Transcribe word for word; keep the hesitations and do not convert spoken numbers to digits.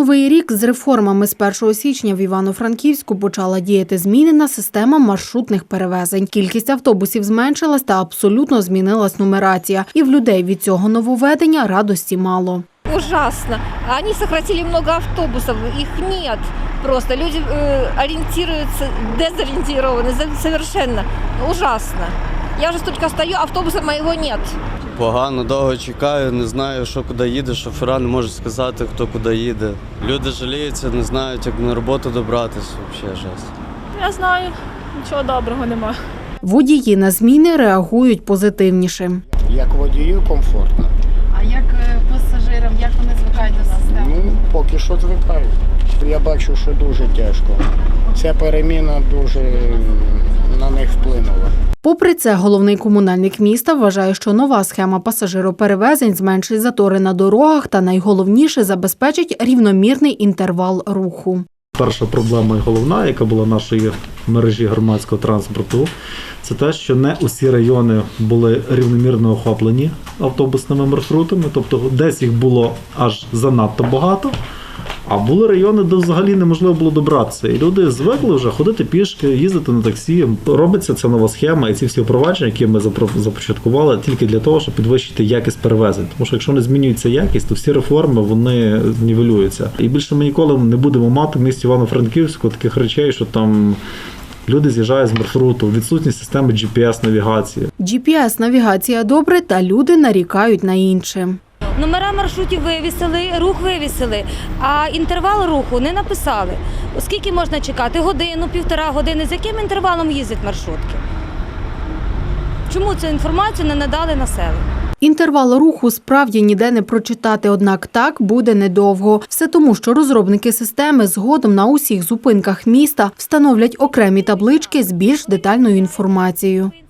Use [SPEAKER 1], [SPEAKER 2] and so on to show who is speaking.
[SPEAKER 1] новий рік з реформами з першого січня в Івано-Франківську почала діяти змінена система маршрутних перевезень. Кількість автобусів зменшилась та абсолютно змінилась нумерація. І в людей від цього нововведення радості мало.
[SPEAKER 2] Ужасно. Они сократили много автобусов, их нет. Просто люди э, ориентируются, дезориентированы совершенно. Ужасно. Я вже стільки стою, автобуса моєго нет.
[SPEAKER 3] Погано, довго чекаю, не знаю, що куди їде, шофера не можуть сказати, хто куди їде. Люди жаліються, не знають, як на роботу добратися, взагалі жесть.
[SPEAKER 4] Я знаю, нічого доброго нема.
[SPEAKER 1] Водії на зміни реагують позитивніше.
[SPEAKER 5] Як водію комфортно.
[SPEAKER 6] А як пасажирам, як вони звикають до системи?
[SPEAKER 5] Ну, поки що звикають. Я бачу, що дуже тяжко. Ця переміна дуже на них вплинула.
[SPEAKER 1] Попри це, головний комунальник міста вважає, що нова схема пасажироперевезень зменшить затори на дорогах та, найголовніше, забезпечить рівномірний інтервал руху.
[SPEAKER 7] Перша проблема і головна, яка була в нашої мережі громадського транспорту, це те, що не усі райони були рівномірно охоплені автобусними маршрутами, тобто десь їх було аж занадто багато, а були райони, де взагалі неможливо було добратися. І люди звикли вже ходити пішки, їздити на таксі. Робиться ця нова схема і ці всі впровадження, які ми започаткували, тільки для того, щоб підвищити якість перевезень. Тому що якщо не змінюється якість, то всі реформи, вони нівелюються. І більше ми ніколи не будемо мати в місті Івано-Франківську таких речей, що там люди з'їжджають з маршруту, відсутність системи джі пі ес-навігації.
[SPEAKER 1] джі пі ес-навігація добре, та люди нарікають на інше.
[SPEAKER 2] Номера маршрутів вивісили, рух вивісили, а інтервал руху не написали. Оскільки можна чекати? Годину, півтора години. З яким інтервалом їздять маршрутки? Чому цю інформацію не надали населенню?
[SPEAKER 1] Інтервал руху справді ніде не прочитати, однак так буде недовго. Все тому, що розробники системи згодом на усіх зупинках міста встановлять окремі таблички з більш детальною інформацією.